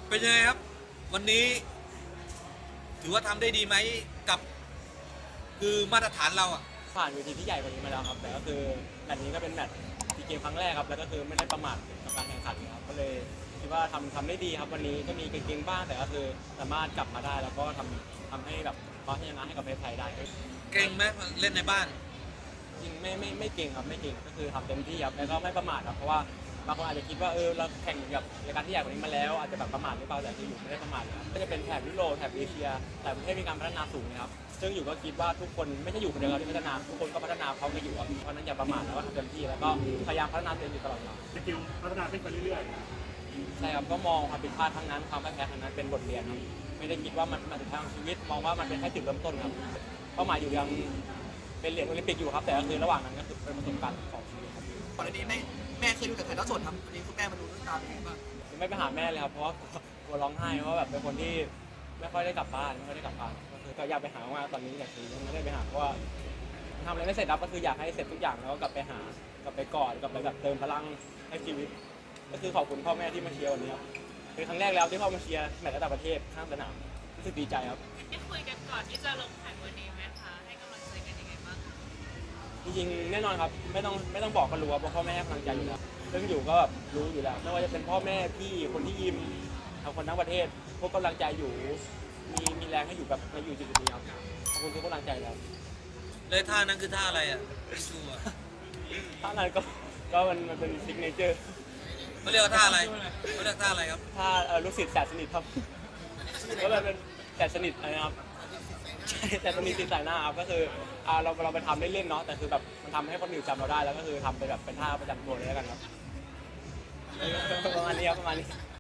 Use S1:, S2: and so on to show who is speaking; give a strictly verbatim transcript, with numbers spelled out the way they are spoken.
S1: เป็นยังไงครับวันนี้ถือว่าทำได้ดีไหมกับคือมาตรฐานเราอ่ะ
S2: ผ่านเวทีที่ใหญ่กว่านี้มาแล้วครับแต่ก็คือแมตช์นี้ก็เป็นแมตช์ซีเกมครั้งแรกครับแล้วก็คือไม่ได้ประมาทกับการแข่งขันครับก็เลยคิดว่าทำทำได้ดีครับวันนี้ก็มีเก่งๆบ้างแต่ก็คือสามารถกลับมาได้แล้วก็ทำทำให้แบบคว้าชัยชนะให้กับประเทศไทยได้
S1: เก่งไหมเล่นในบ้าน
S2: จริงไม่ไม่ไม่เก่งครับไม่เก่งก็คือทำเต็มที่ครับแล้วก็ไม่ประมาทครับเพราะว่าบางคนอาจจะคิดว่าเออเราแข่งกับรายการที่ใหญ่กว่านี้มาแล้วอาจจะแบบประมาทหรือเปล่าแต่คืออยู่ไม่ได้ประมาทครับก็จะเป็นแถบยุโรปแถบเอเชียหลายประเทศมีการพัฒนาสูงนะครับซึ่งอยู่ก็คิดว่าทุกคนไม่ใช่อยู่คนเดียวที่พัฒนาทุกคนก็พัฒนาเขาไปอยู่ครับเพราะนั้นอย่าประมาทแล้วก็ทำเต็มที่แล้วก็พยายามพัฒนาตัวเองอยู่ตลอดเวลา
S3: สกิลพัฒนาขึ้นไปเรื่อย
S2: ๆใช่ครับก็มองความผิดพลาดครั้งนั้นความแพ้ครั้งนั้นเป็นบทเรียนครับไม่ได้คิดว่ามันมันถึงทางชีวิตมองว่ามันเป็นแค่จุดเริ่มต้นครับเป้าหมายอยู่ยังเป็นเหรียญโอลิมปิกอยู่ครับแต่ก็คือระหว่างนั้นก็คือเป็นประสบการณ์ของชีวิตครับ
S4: ก่อนหน้านี้แม่แม่เคยดูแต่ถ่ายทอดสดครับวันนี้คุณแม่มาดูด้วยตาเป็นไงบ้าง
S2: ไม่ไปหาแม่เลยครับเพราะว่ากลัวร้องไห้เพราะแบบเป็นคนที่ไม่ค่อยได้กลับบ้านไม่ค่อยได้กลับบ้านก็คือก็อยากไปหาว่าตอนนี้อยากคือยังไม่ได้ไปหาเพราะว่าทำอะไรไม่เสร็จครับก็คืออยากให้เสร็จทุกอย่างแล้วก็กลับไปหากลับไปกอดกลับไปแบบเติมพลังให้ชีวิตก็คือขอบคุณพ่อแม่ที่มาเชียร์วันนี้ครับเป็นครั้งแรกแล้วที่พ่อมาเชียร์แมตช์ระดับประเทศข้างสนามรู้สึกดีใจครับ
S5: ได้คุยกันก่อนที่จะลงแข่งวันนี้ไหมคะให้กำลังใจกันยังไงบ้าง
S2: จริงๆแน่นอนครับไม่ต้องไม่ต้องบอกก็รู้ว่าเพราะพ่อแม่ให้กำลังใจอยู่แล้วเรื่องอยู่ก็แบบรู้อยู่แล้วไม่ว่าจะเป็นพ่อแม่พี่คนที่ยิมทางคนทั้งประเทศพวกกำลังใจอยู่มีมีแรงให้อยู่แบบมาอยู่จุดนี้ครับขอบคุณทุกกำลังใจแล้ว
S1: เลยท่านั้นคือท่าอะไรอ่ะไม่ชัวร์
S2: ท่านั้นก็ก็มันมันเป็นซิกเนเจอร์
S1: เขาเรียกว่าท่าอะไรเขาเรียกท่าอะไรครับ
S2: ท่าลูกศิษย์แสนสนิทครับก็เลยเป็นแสนสนิทนะครับใช่แสนสนิทติดสายหน้าครับก็คือเราเราไปทำเล่นๆเนาะแต่คือแบบมันทำให้คนอื่นจำเราได้แล้วก็คือทำไปแบบเป็นท่าประจำตัวเลยแล้วกันครับประมาณนี้ครับประมาณนี้